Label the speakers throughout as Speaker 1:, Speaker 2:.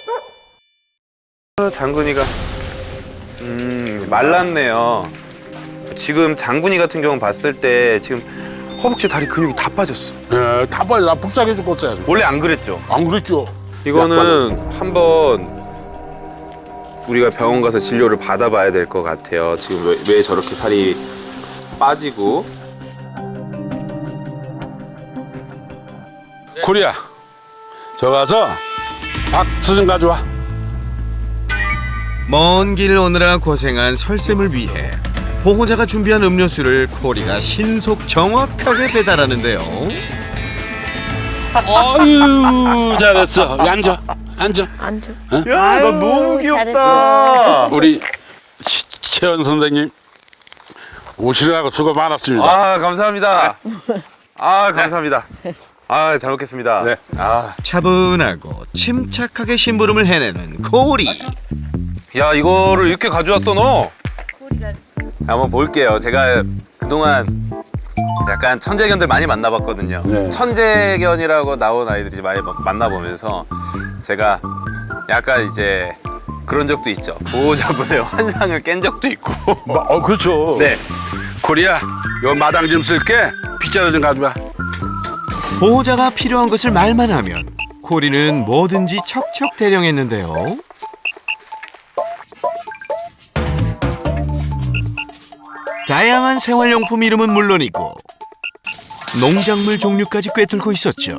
Speaker 1: 장군이가 말랐네요. 지금 장군이 같은 경우 봤을 때 지금 허벅지 다리 근육이 다 빠졌어.
Speaker 2: 예, 다 빠져. 나 불쌍해 죽겠어요.
Speaker 1: 원래 안 그랬죠?
Speaker 2: 안 그랬죠?
Speaker 1: 이거는 한번 우리가 병원 가서 진료를 받아봐야 될 것 같아요. 지금 왜 저렇게 살이 빠지고.
Speaker 2: 코리아, 저 가서 박스 좀 가져와.
Speaker 3: 먼 길 오느라 고생한 설쌤을 위해 보호자가 준비한 음료수를 코리가 신속 정확하게 배달하는데요.
Speaker 2: 아유, 잘했어. 앉아, 앉아.
Speaker 4: 앉아.
Speaker 1: 야,
Speaker 4: 아유,
Speaker 1: 나 너무 귀엽다.
Speaker 4: 잘했다.
Speaker 2: 우리 최연 선생님 오시느라고 수고 많았습니다.
Speaker 1: 아, 감사합니다. 아, 감사합니다. 아, 잘 먹겠습니다.
Speaker 2: 네.
Speaker 1: 아,
Speaker 3: 차분하고 침착하게 심부름을 해내는 코리.
Speaker 1: 야, 이거를 이렇게 가져왔어, 너? 한번 볼게요. 제가 그동안 약간 천재견들 많이 만나봤거든요.
Speaker 2: 네.
Speaker 1: 천재견이라고 나온 아이들이 많이 만나보면서 제가 약간 이제 그런 적도 있죠. 보호자분의 환상을 깬 적도 있고.
Speaker 2: 그렇죠.
Speaker 1: 네.
Speaker 2: 코리아, 요 마당 좀 쓸게. 빗자루 좀 가져와.
Speaker 3: 보호자가 필요한 것을 말만 하면 코리는 뭐든지 척척 대령했는데요. 다양한 생활용품 이름은 물론이고 농작물 종류까지 꿰뚫고 있었죠.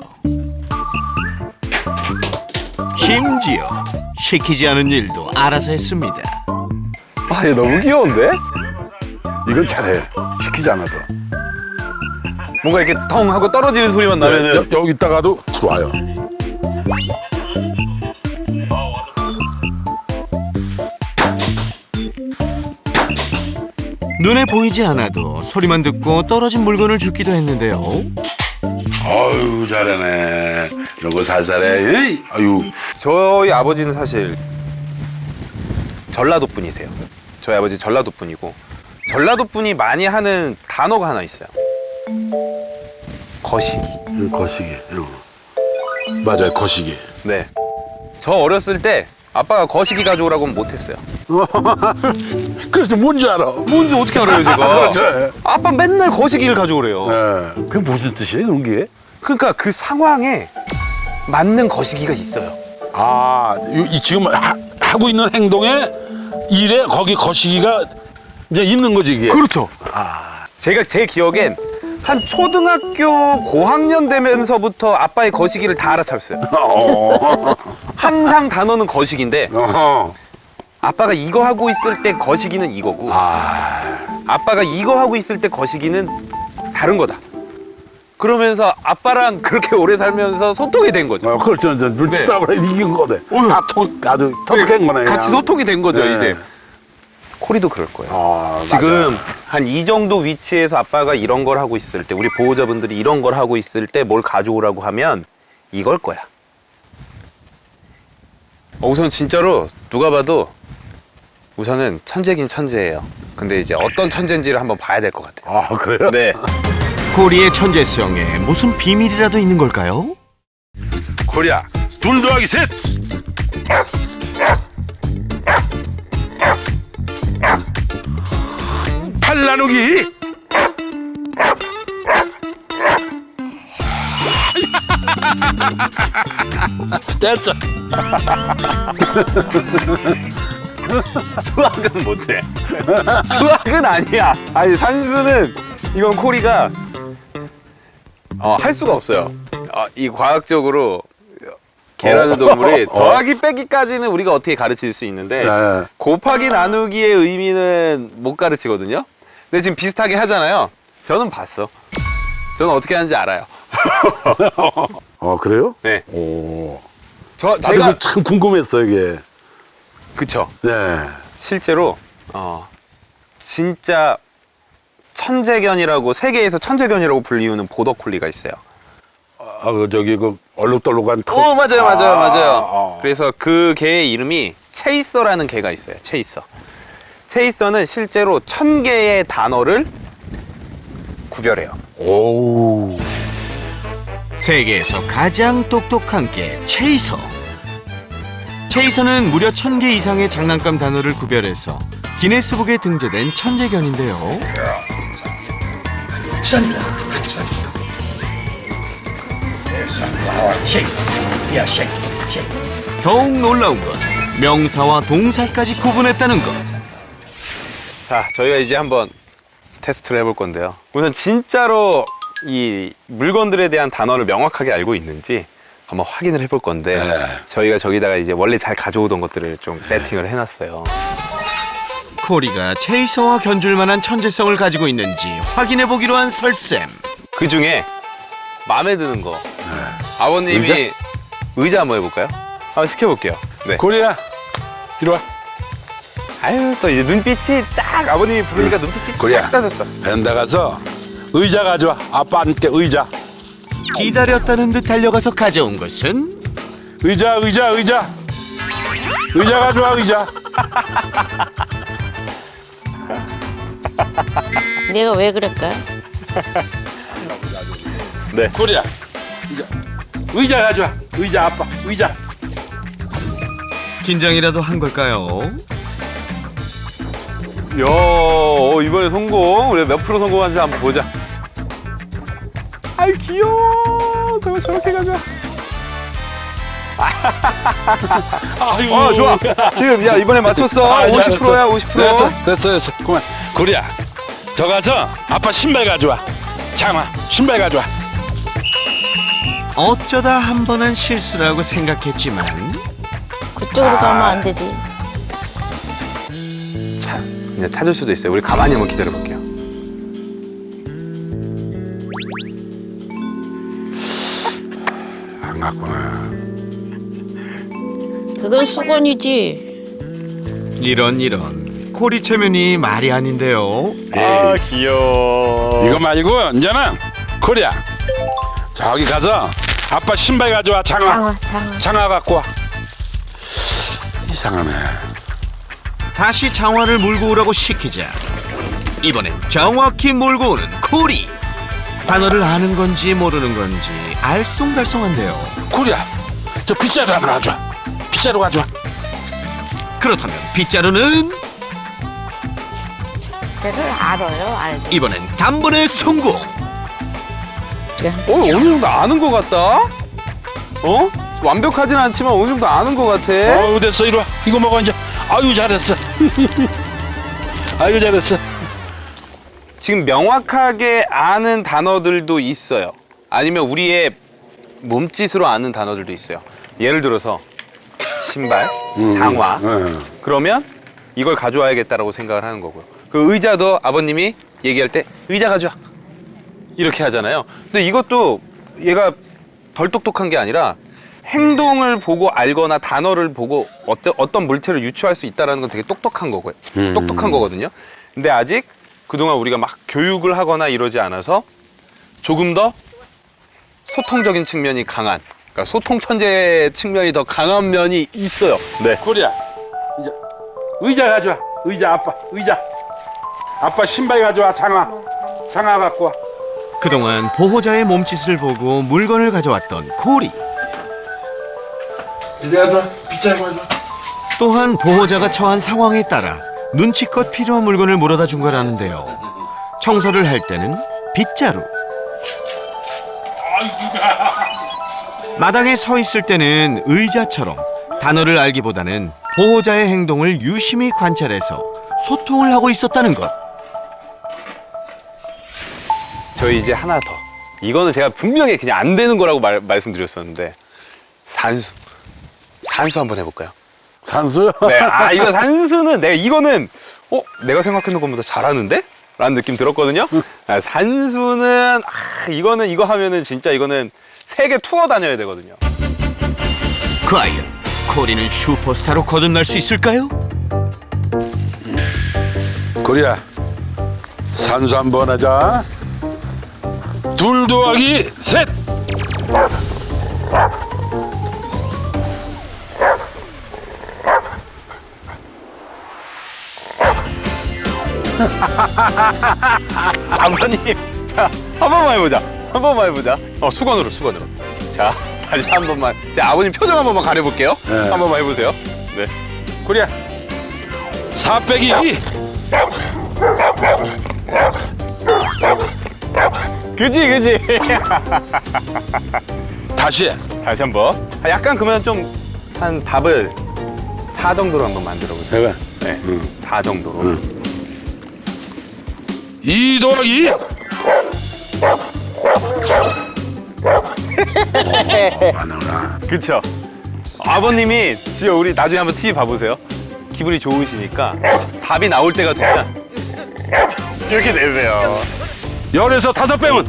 Speaker 3: 심지어 시키지 않은 일도 알아서 했습니다.
Speaker 1: 아, 얘 너무 귀여운데?
Speaker 2: 이건 잘해. 시키지 않아서.
Speaker 1: 뭔가 이렇게 텅 하고 떨어지는 소리만 나면은
Speaker 2: 여기 있다가도 들어와요.
Speaker 3: 눈에 보이지 않아도 소리만 듣고 떨어진 물건을 줍기도 했는데요.
Speaker 2: 아유, 잘하네. 이런 거 살살해. 아유.
Speaker 1: 저희 아버지는 사실 전라도 분이세요. 저희 아버지 전라도 분이고 전라도 분이 많이 하는 단어가 하나 있어요. 거시기.
Speaker 2: 거시기. 맞아요, 거시기.
Speaker 1: 네. 저 어렸을 때 아빠가 거시기 가져오라고는 못했어요.
Speaker 2: 그래서 뭔지 알아.
Speaker 1: 뭔지 어떻게 알아요, 제가?
Speaker 2: 그렇죠.
Speaker 1: 아빠 맨날 거시기를 가져오래요.
Speaker 2: 예. 그게 무슨 뜻이에요, 그런 게?
Speaker 1: 그러니까 그 상황에 맞는 거시기가 있어요.
Speaker 2: 아, 지금 하고 있는 행동에 일에 거기 거시기가 이제 있는 거지, 이게.
Speaker 1: 그렇죠. 제가 제 기억엔 한 초등학교 고학년 되면서부터 아빠의 거시기를 다 알아차렸어요. 항상 단어는 거시기인데 아빠가 이거 하고 있을 때 거시기는 이거고 아빠가 이거 하고 있을 때 거시기는 다른 거다. 그러면서 아빠랑 그렇게 오래 살면서 소통이 된 거죠.
Speaker 2: 그렇죠. 눈치싸움을 이긴 거네. 아주 터득한 거네.
Speaker 1: 같이
Speaker 2: 그냥.
Speaker 1: 소통이 된 거죠,
Speaker 2: 네.
Speaker 1: 이제. 코리도 그럴 거예요.
Speaker 2: 아,
Speaker 1: 지금
Speaker 2: 맞아.
Speaker 1: 한 이 정도 위치에서 아빠가 이런 걸 하고 있을 때, 우리 보호자분들이 이런 걸 하고 있을 때 뭘 가져오라고 하면 이걸 거야. 우선 진짜로 누가 봐도 우선은 천재긴 천재예요. 근데 이제 어떤 천재인지를 한번 봐야 될 것 같아요.
Speaker 2: 아, 그래요?
Speaker 1: 네.
Speaker 3: 코리의 천재성에 무슨 비밀이라도 있는 걸까요?
Speaker 2: 코리아, 둘 더하기 셋. 팔 나누기. 됐어.
Speaker 1: 수학은 못해. 수학은 아니야. 아니, 산수는 이건 코리가 할 수가 없어요. 이 과학적으로 개라는 동물이 더하기 빼기까지는 우리가 어떻게 가르칠 수 있는데
Speaker 2: 네.
Speaker 1: 곱하기 나누기의 의미는 못 가르치거든요. 근데 지금 비슷하게 하잖아요. 저는 봤어. 저는 어떻게 하는지 알아요.
Speaker 2: 그래요?
Speaker 1: 네.
Speaker 2: 오.
Speaker 1: 제가
Speaker 2: 나도 참 궁금했어, 이게.
Speaker 1: 그쵸.
Speaker 2: 네.
Speaker 1: 실제로 진짜 천재견이라고 세계에서 천재견이라고 불리우는 보더콜리가 있어요.
Speaker 2: 그 얼룩덜룩한
Speaker 1: 맞아요. 그래서 그 개의 이름이 체이서라는 개가 있어요. 체이서. 체이서는 실제로 1000개의 단어를 구별해요.
Speaker 2: 오.
Speaker 3: 세계에서 가장 똑똑한 개 체이서. 최이선은 무려 1000개 이상의 장난감 단어를 구별해서 기네스북에 등재된 천재견인데요. 더욱 놀라운 건 명사와 동사까지 구분했다는 것.
Speaker 1: 자, 저희가 이제 한번 테스트를 해볼 건데요. 우선 진짜로 이 물건들에 대한 단어를 명확하게 알고 있는지 한번 확인을 해볼 건데
Speaker 2: 네.
Speaker 1: 저희가 저기다가 이제 원래 잘 가져오던 것들을 좀 세팅을 해놨어요.
Speaker 3: 코리가 체이서와 견줄 만한 천재성을 가지고 있는지 확인해보기로 한 설쌤.
Speaker 1: 그 중에 마음에 드는 거 아버님이 의자 한번 해볼까요? 한번 시켜볼게요. 네.
Speaker 2: 코리야, 이리 와.
Speaker 1: 아유, 또 이제 눈빛이 딱 아버님이 부르니까 눈빛이
Speaker 2: 코리야.
Speaker 1: 딱 따졌어.
Speaker 2: 벤다 가서 의자 가져와. 아빠 앉게 의자.
Speaker 3: 기다렸다는 듯 달려가서 가져온 것은
Speaker 2: 의자 가져와 의자.
Speaker 4: 내가 왜 그럴까?
Speaker 1: 네.
Speaker 2: 코리야, 의자 가져와. 의자 아빠 의자.
Speaker 3: 긴장이라도 한 걸까요?
Speaker 1: 야, 이번에 성공. 우리 몇 프로 성공한지 한번 보자. 아이 귀여워. 저렇게 가자.
Speaker 2: 아이고.
Speaker 1: 좋아. 지금 야 이번에 맞췄어. 50%야 50%.
Speaker 2: 됐어. 그만. 코리야, 저 가서 아빠 신발 가져와. 장아, 신발 가져와.
Speaker 3: 어쩌다 한 번 한 실수라고 생각했지만
Speaker 4: 그쪽으로 가면 안 되지.
Speaker 1: 자, 그냥 찾을 수도 있어요. 우리 가만히 한번 기다려 볼게요.
Speaker 2: 안 갔구나.
Speaker 4: 그건 수건이지.
Speaker 3: 이런 코리 체면이 말이 아닌데요.
Speaker 1: 아 귀여워.
Speaker 2: 이거 말고 이제는 코리야, 저기 가서 아빠 신발 가져와. 장아 갖고 와. 이상하네.
Speaker 3: 다시 장화를 몰고 오라고 시키자 이번엔 정확히 몰고 오는 코리. 단어를 아는 건지 모르는 건지 알쏭달쏭한데요.
Speaker 2: 코리야, 저 빗자루 하나 가져와. 빗자루 가져와.
Speaker 3: 그렇다면 빗자루는
Speaker 4: 저를 알아요, 알죠.
Speaker 3: 이번엔 단번에 성공.
Speaker 1: 어느 정도 아는 것 같다. 어? 완벽하진 않지만 어느 정도 아는 것 같아.
Speaker 2: 됐어. 이리 와. 이거 먹어 이제. 아유 잘했어. 아유 잘했어.
Speaker 1: 지금 명확하게 아는 단어들도 있어요. 아니면 우리의 몸짓으로 아는 단어들도 있어요. 예를 들어서 신발, 장화. 그러면 이걸 가져와야겠다라고 생각을 하는 거고요. 그 의자도 아버님이 얘기할 때 의자 가져와 이렇게 하잖아요. 근데 이것도 얘가 덜 똑똑한 게 아니라 행동을 보고 알거나 단어를 보고 어떤 물체를 유추할 수 있다는 건 되게 똑똑한 거고요. 똑똑한 거거든요. 근데 아직 그동안 우리가 막 교육을 하거나 이러지 않아서 조금 더 소통적인 측면이 강한, 그러니까 소통 천재 측면이 더 강한 면이 있어요. 네.
Speaker 2: 코리야, 이제 의자 가져와. 의자 아빠 의자. 아빠 신발 가져와. 장아 갖고 와.
Speaker 3: 그동안 보호자의 몸짓을 보고 물건을 가져왔던 코리.
Speaker 2: 이제 가져와. 빗자루 가져와.
Speaker 3: 또한 보호자가 처한 상황에 따라 눈치껏 필요한 물건을 물어다 준 거라는데요. 청소를 할 때는 빗자루, 마당에 서 있을 때는 의자처럼 단어를 알기보다는 보호자의 행동을 유심히 관찰해서 소통을 하고 있었다는 것.
Speaker 1: 저희 이제 하나 더. 이거는 제가 분명히 그냥 안 되는 거라고 말씀드렸었는데 산수 한번 해볼까요?
Speaker 2: 산수요?
Speaker 1: 네, 이거 산수는 이거는 내가 생각했던 것보다 잘하는데? 라는 느낌 들었거든요. 산수는 이거 하면은 진짜 이거는 세계 투어 다녀야 되거든요.
Speaker 3: 과연 코리는 슈퍼스타로 거듭날 수 있을까요?
Speaker 2: 코리야, 산수 한번 하자. 2 더하기 3.
Speaker 1: 아버님, 자, 한 번만 해보자. 수건으로. 자, 다시 한 번만. 자, 아버님 표정 한 번만 가려볼게요.
Speaker 2: 네.
Speaker 1: 한 번만 해보세요. 네.
Speaker 2: 코리야 4 빼기 2.
Speaker 1: 그지.
Speaker 2: 다시
Speaker 1: 다시 한번. 약간 그러면 좀 한 답을 4 정도로 한번 만들어 보세요.
Speaker 2: 해봐.
Speaker 1: 네. 4 정도로.
Speaker 2: 2 더하기 2. 맞는구나.
Speaker 1: 그쵸? 아버님이 진짜 우리 나중에 한번 TV 봐보세요. 기분이 좋으시니까 답이 나올 때가 되면 이렇게 내세요.
Speaker 2: 10에서 5 빼면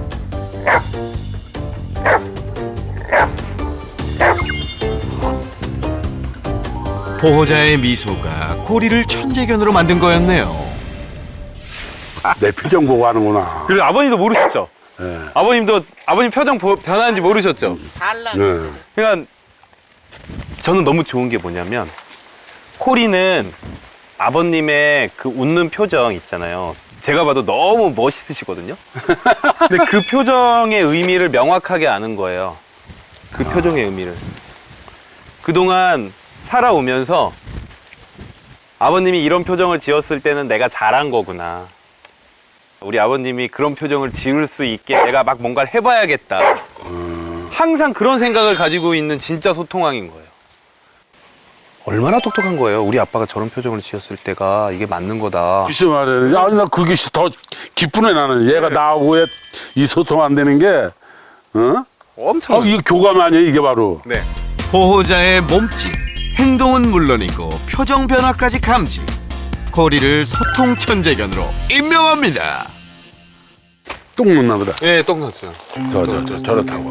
Speaker 3: 보호자의 미소가 코리를 천재견으로 만든 거였네요.
Speaker 2: 내 표정 보고 하는구나.
Speaker 1: 그리고 아버님도 모르셨죠?
Speaker 2: 네.
Speaker 1: 아버님 표정 변하는지 모르셨죠?
Speaker 4: 달라.
Speaker 2: 네.
Speaker 1: 그러니까 저는 너무 좋은 게 뭐냐면 코리는 아버님의 그 웃는 표정 있잖아요. 제가 봐도 너무 멋있으시거든요. 근데 그 표정의 의미를 명확하게 아는 거예요. 그 표정의 의미를. 그동안 살아오면서 아버님이 이런 표정을 지었을 때는 내가 잘한 거구나. 우리 아버님이 그런 표정을 지을 수 있게 내가 막 뭔가를 해봐야겠다. 항상 그런 생각을 가지고 있는 진짜 소통왕인 거예요. 얼마나 똑똑한 거예요. 우리 아빠가 저런 표정을 지었을 때가 이게 맞는 거다.
Speaker 2: 글쎄 말이야. 아니 나 그게 더 기쁘네 나는. 얘가 나하고 왜 이 소통 안 되는 게, 어?
Speaker 1: 엄청.
Speaker 2: 이게 교감 아니야 이게 바로.
Speaker 1: 네.
Speaker 3: 보호자의 몸짓, 행동은 물론이고 표정 변화까지 감지. 코리를 소통 천재견으로 임명합니다.
Speaker 2: 똥 묻나 보다.
Speaker 1: 예, 똥 났어요.
Speaker 2: 저렇다고.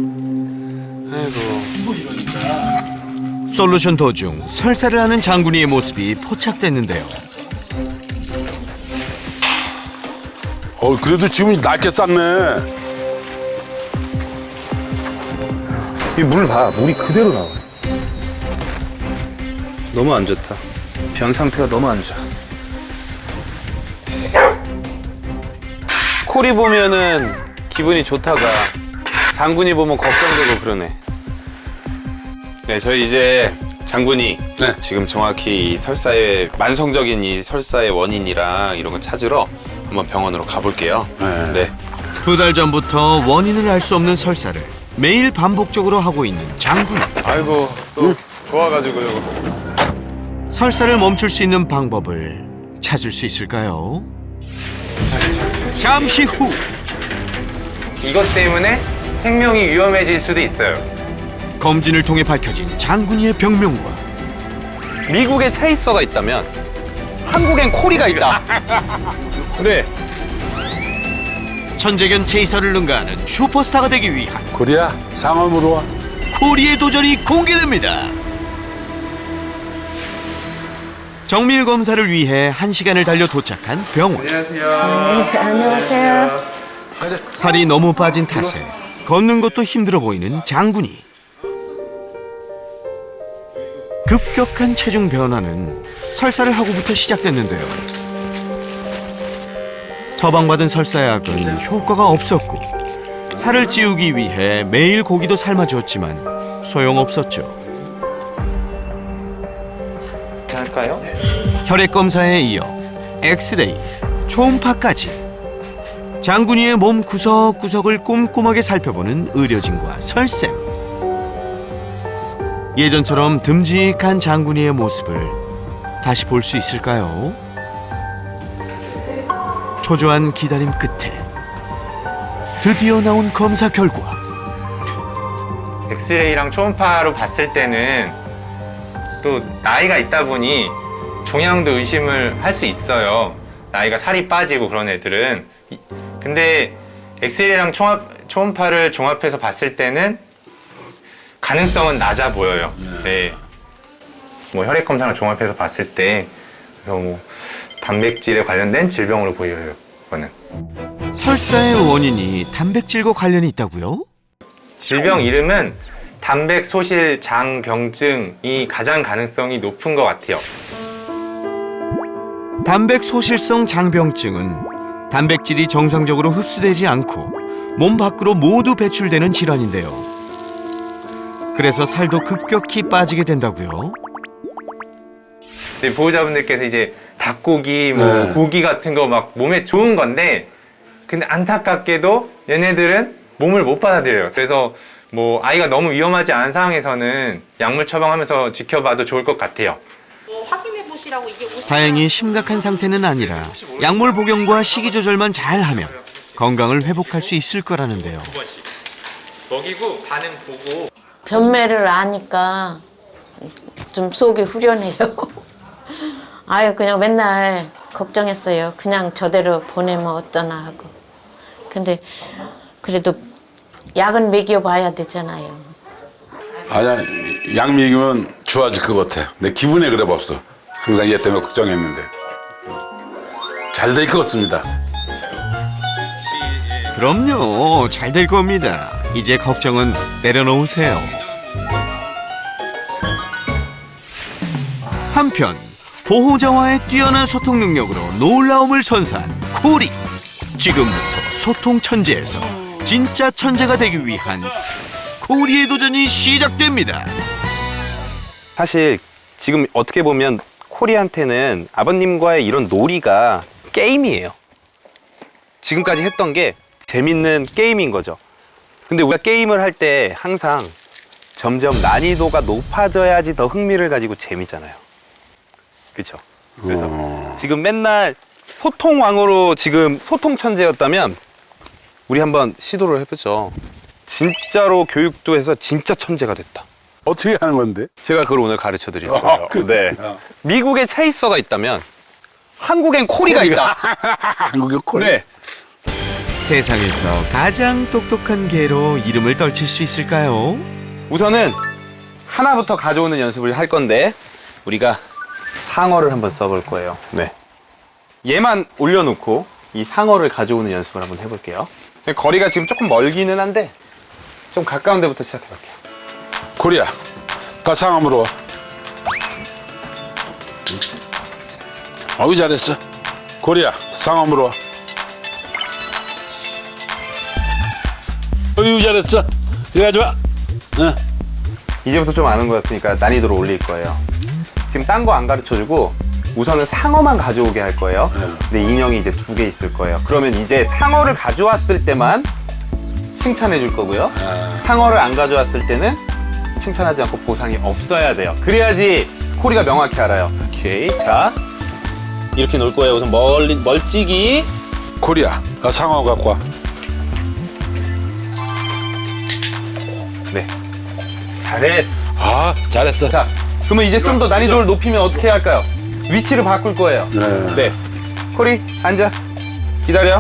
Speaker 1: 아이고.
Speaker 3: 솔루션 도중 설사를 하는 장군이의 모습이 포착됐는데요.
Speaker 2: 그래도 지금 낡게 쌌네.
Speaker 1: 이 물 봐. 물이 그대로 나와요. 너무 안 좋다. 변 상태가 너무 안 좋아. 코리 보면은 기분이 좋다가 장군이 보면 걱정되고 그러네. 네, 저희 이제 장군이
Speaker 2: 네.
Speaker 1: 지금 정확히 이 설사의 만성적인 이 설사의 원인이랑 이런 거 찾으러 한번 병원으로 가볼게요.
Speaker 2: 네.
Speaker 1: 네.
Speaker 3: 2달 전부터 원인을 알 수 없는 설사를 매일 반복적으로 하고 있는 장군.
Speaker 1: 아이고 또 좋아가지고 이거.
Speaker 3: 설사를 멈출 수 있는 방법을 찾을 수 있을까요? 잠시 후
Speaker 1: 이것 때문에 생명이 위험해질 수도 있어요.
Speaker 3: 검진을 통해 밝혀진 장군이의 병명과
Speaker 1: 미국에 체이서가 있다면 한국엔 코리가 있다. 네.
Speaker 3: 천재견 체이서를 능가하는 슈퍼스타가 되기 위한
Speaker 2: 코리야 상암으로 와.
Speaker 3: 코리의 도전이 공개됩니다. 정밀 검사를 위해 1시간을 달려 도착한 병원.
Speaker 4: 안녕하세요.
Speaker 3: 살이 너무 빠진 탓에 걷는 것도 힘들어 보이는 장군이. 급격한 체중 변화는 설사를 하고부터 시작됐는데요. 처방받은 설사약은 효과가 없었고 살을 찌우기 위해 매일 고기도 삶아줬지만 소용없었죠.
Speaker 1: 할까요?
Speaker 3: 혈액 검사에 이어 엑스레이, 초음파까지 장군이의 몸 구석구석을 꼼꼼하게 살펴보는 의료진과 설쌤. 예전처럼 듬직한 장군이의 모습을 다시 볼 수 있을까요? 초조한 기다림 끝에 드디어 나온 검사 결과.
Speaker 5: 엑스레이랑 초음파로 봤을 때는 또 나이가 있다 보니 종양도 의심을 할 수 있어요. 나이가 살이 빠지고 그런 애들은. 근데 엑스레이랑 초음파를 종합해서 봤을 때는 가능성은 낮아 보여요. 네. 뭐 혈액 검사랑 종합해서 봤을 때 그래서 뭐 단백질에 관련된 질병으로 보여요. 그거는.
Speaker 3: 설사의 원인이 단백질과 관련이 있다고요?
Speaker 5: 질병 이름은 단백소실 장병증이 가장 가능성이 높은 것 같아요.
Speaker 3: 단백소실성 장병증은 단백질이 정상적으로 흡수되지 않고 몸 밖으로 모두 배출되는 질환인데요. 그래서 살도 급격히 빠지게 된다고요?
Speaker 5: 근데 보호자분들께서 이제 닭고기, 뭐
Speaker 6: 네.
Speaker 5: 고기 같은 거 막 몸에 좋은 건데, 근데 안타깝게도 얘네들은 몸을 못 받아들여요. 그래서 뭐 아이가 너무 위험하지 않은 상황에서는 약물 처방하면서 지켜봐도 좋을 것 같아요.
Speaker 7: 확인해 보시라고 이게
Speaker 3: 다행히 심각한 상태는 아니라 약물 복용과 식이 조절만 잘하면 건강을 회복할 수 있을 거라는데요.
Speaker 5: 2번씩 먹이고 반응 보고.
Speaker 4: 변매를 아니까 좀 속이 후련해요. 아유, 그냥 맨날 걱정했어요. 그냥 저대로 보내면 어떠나 하고. 근데 그래도 약은 먹여봐야 되잖아요.
Speaker 6: 아니야, 약 먹이면 좋아질 것 같아. 내 기분에 그래 봤어. 항상 얘 때문에 걱정했는데. 잘 될 것 같습니다.
Speaker 3: 그럼요, 잘 될 겁니다. 이제 걱정은 내려놓으세요. 한편 보호자와의 뛰어난 소통 능력으로 놀라움을 선사한 코리. 지금부터 소통 천재에서 진짜 천재가 되기 위한 코리의 도전이 시작됩니다.
Speaker 1: 사실 지금 어떻게 보면 코리한테는 아버님과의 이런 놀이가 게임이에요. 지금까지 했던 게 재밌는 게임인 거죠. 근데 우리가 게임을 할 때 항상 점점 난이도가 높아져야지 더 흥미를 가지고 재밌잖아요. 그렇죠? 그래서 지금 맨날 소통왕으로 지금 소통 천재였다면 우리 한번 시도를 해보죠. 진짜로 교육도 해서 진짜 천재가 됐다.
Speaker 6: 어떻게 하는 건데?
Speaker 1: 제가 그걸 오늘 가르쳐 드릴 거예요. 네. 미국에 체이서가 있다면 한국엔 코리가 있다.
Speaker 6: 한국의 콜.
Speaker 1: 네.
Speaker 3: 세상에서 가장 똑똑한 개로 이름을 떨칠 수 있을까요?
Speaker 1: 우선은 하나부터 가져오는 연습을 할 건데 우리가 상어를 한번 써볼 거예요. 네. 얘만 올려놓고 이 상어를 가져오는 연습을 한번 해볼게요. 거리가 지금 조금 멀기는 한데 좀 가까운 데부터 시작해볼게요.
Speaker 6: 코리아, 가상함으로 와. 어우, 잘했어. 코리아, 상암으로 와. 어유, 잘했어. 이거 좋아. 응.
Speaker 1: 이제부터 좀 아는 것 같으니까 난이도를 올릴 거예요. 지금 딴 거 안 가르쳐주고 우선은 상어만 가져오게 할 거예요. 근데 인형이 이제 2개 있을 거예요. 그러면 이제 상어를 가져왔을 때만 칭찬해 줄 거고요. 상어를 안 가져왔을 때는 칭찬하지 않고 보상이 없어야 돼요. 그래야지 코리가 명확히 알아요. 오케이. 자, 이렇게 놓을 거예요. 우선 멀찍이.
Speaker 6: 코리아, 상어 갖고 와.
Speaker 1: 네. 잘했어.
Speaker 6: 아, 잘했어.
Speaker 1: 자, 그러면 이제 좀 더 난이도를 높이면 어떻게 할까요? 위치를 바꿀 거예요.
Speaker 6: 네.
Speaker 1: 네. 코리, 앉아. 기다려.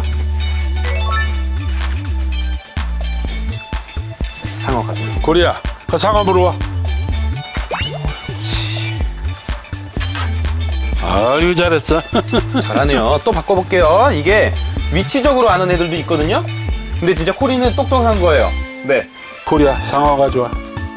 Speaker 1: 상어 가져.
Speaker 6: 코리아, 상암으로 와. 아유, 잘했어.
Speaker 1: 잘하네요. 또 바꿔볼게요. 이게 위치적으로 아는 애들도 있거든요. 근데 진짜 코리는 똑똑한 거예요. 네.
Speaker 6: 코리아, 상어 가져와.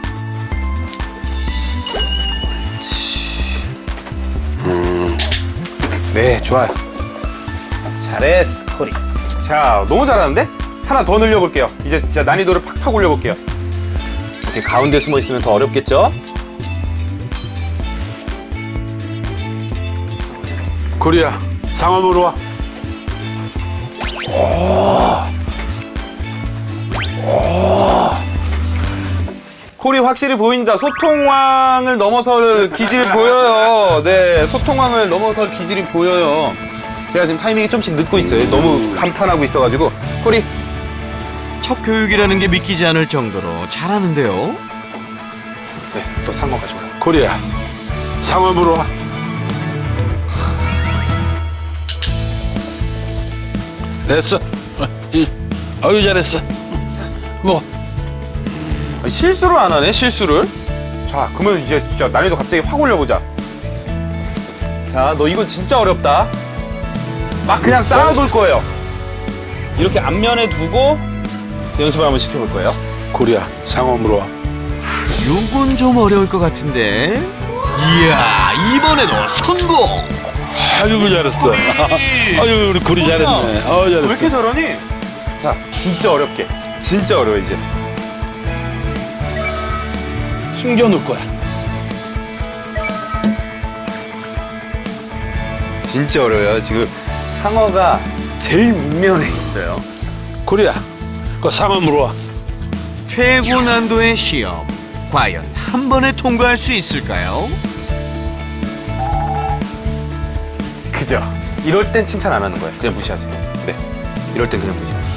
Speaker 1: 네, 좋아요. 잘했어, 코리. 자, 너무 잘하는데? 하나 더 늘려볼게요. 이제 진짜 난이도를 팍팍 올려볼게요. 이렇게 가운데 숨어 있으면 더 어렵겠죠?
Speaker 6: 코리아, 상암으로 와.
Speaker 1: 코리 확실히 보인다. 소통왕을 넘어설 기질이 보여요. 네, 소통왕을 넘어설 기질이 보여요. 제가 지금 타이밍이 좀씩 늦고 있어요. 너무 감탄하고 있어가지고. 코리.
Speaker 3: 첫 교육이라는 게 믿기지 않을 정도로 잘하는데요.
Speaker 1: 네, 또 상어가 좋아요.
Speaker 6: 코리아, 상암으로 와. 됐어. 어유, 잘했어. 뭐.
Speaker 1: 실수를 안 하네, 실수를. 자, 그러면 이제 진짜 난이도 갑자기 확 올려보자. 자, 너 이거 진짜 어렵다. 막 그냥 쌓아둘 거예요. 이렇게 앞면에 두고 연습을 한번 시켜볼 거예요.
Speaker 6: 코리아, 상암으로 와.
Speaker 3: 요건 좀 어려울 것 같은데. 이야, 이번에도 성공!
Speaker 6: 아이고, 잘했어. 아유, 우리 코리 잘했네.
Speaker 1: 왜 이렇게
Speaker 6: 잘했어.
Speaker 1: 저러니? 자, 진짜 어렵게. 진짜 어려워, 이제. 숨겨놓을 거야. 진짜 어려워요. 지금 상어가 제일 밑면에 있어요.
Speaker 2: 코리야, 그 상어 물어와.
Speaker 3: 최고 난도의 시험. 과연 한 번에 통과할 수 있을까요?
Speaker 1: 그죠? 이럴 땐 칭찬 안 하는 거예요. 그냥 무시하세요. 네. 이럴 땐 그냥 무시하세요.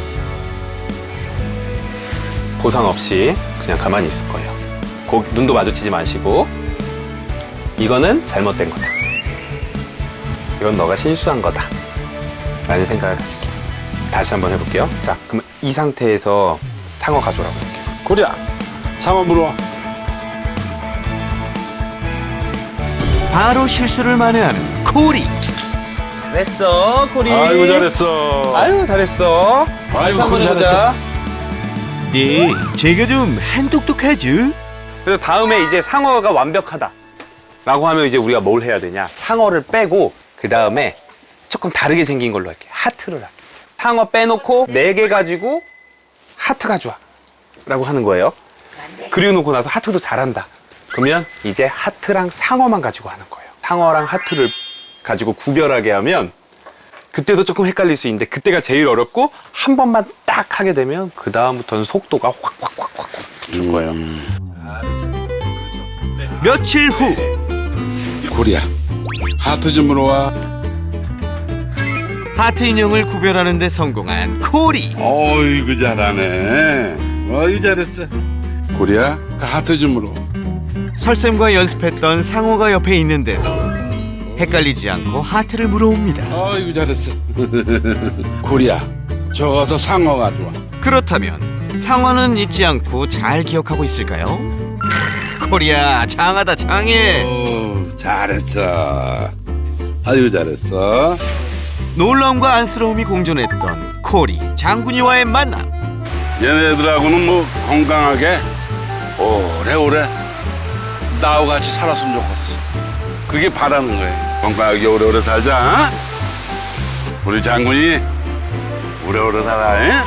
Speaker 1: 보상 없이 그냥 가만히 있을 거예요. 눈도 마주치지 마시고 이거는 잘못된 거다. 이건 너가 실수한 거다. 라는 생각을 가질게요. 다시 한번 해볼게요. 자, 그럼 이 상태에서 상어 가져오라고 할게요.
Speaker 2: 코리야, 상어 물어와.
Speaker 3: 바로 실수를 만회하는 코리.
Speaker 1: 잘했어, 코리.
Speaker 2: 아이고 잘했어.
Speaker 1: 아유, 잘했어. 다시 한번
Speaker 2: 코리
Speaker 1: 해보자.
Speaker 3: 네, 제가 좀 한똑똑하죠?
Speaker 1: 그래서 다음에 이제 상어가 완벽하다. 라고 하면 이제 우리가 뭘 해야 되냐. 상어를 빼고 그 다음에 조금 다르게 생긴 걸로 할게요. 하트를 할게요. 상어 빼놓고 4개 가지고 하트 가져와. 라고 하는 거예요. 그리고 놓고 나서 하트도 잘한다. 그러면 이제 하트랑 상어만 가지고 하는 거예요. 상어랑 하트를 가지고 구별하게 하면 그때도 조금 헷갈릴 수 있는데 그때가 제일 어렵고 한 번만 딱 하게 되면 그 다음부터는 속도가 확 줄 거예요.
Speaker 3: 며칠 후.
Speaker 6: 코리야, 하트 좀 물어와.
Speaker 3: 하트 인형을 구별하는 데 성공한 코리.
Speaker 6: 어이구 잘하네. 어이구 잘했어. 코리야, 그 하트 좀 물어.
Speaker 3: 설쌤과 연습했던 상어가 옆에 있는데도 헷갈리지 않고 하트를 물어옵니다.
Speaker 6: 어이구 잘했어. 코리야, 저 가서 상어 가져와.
Speaker 3: 그렇다면 상어는 잊지 않고 잘 기억하고 있을까요? 코리야, 장하다 장해.
Speaker 6: 오, 잘했어. 아이고 잘했어.
Speaker 3: 놀라움과 안쓰러움이 공존했던 코리, 장군이와의 만남.
Speaker 6: 얘네들하고는 뭐 건강하게 오래오래 나하고 같이 살았으면 좋겠어. 그게 바라는 거예요. 건강하게 오래오래 살자. 우리 장군이 오래오래 살아. 에?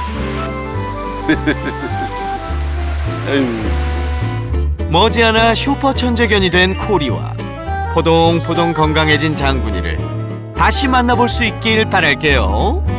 Speaker 3: 머지않아 슈퍼 천재견이 된 코리와 포동포동 건강해진 장군이를 다시 만나볼 수 있길 바랄게요.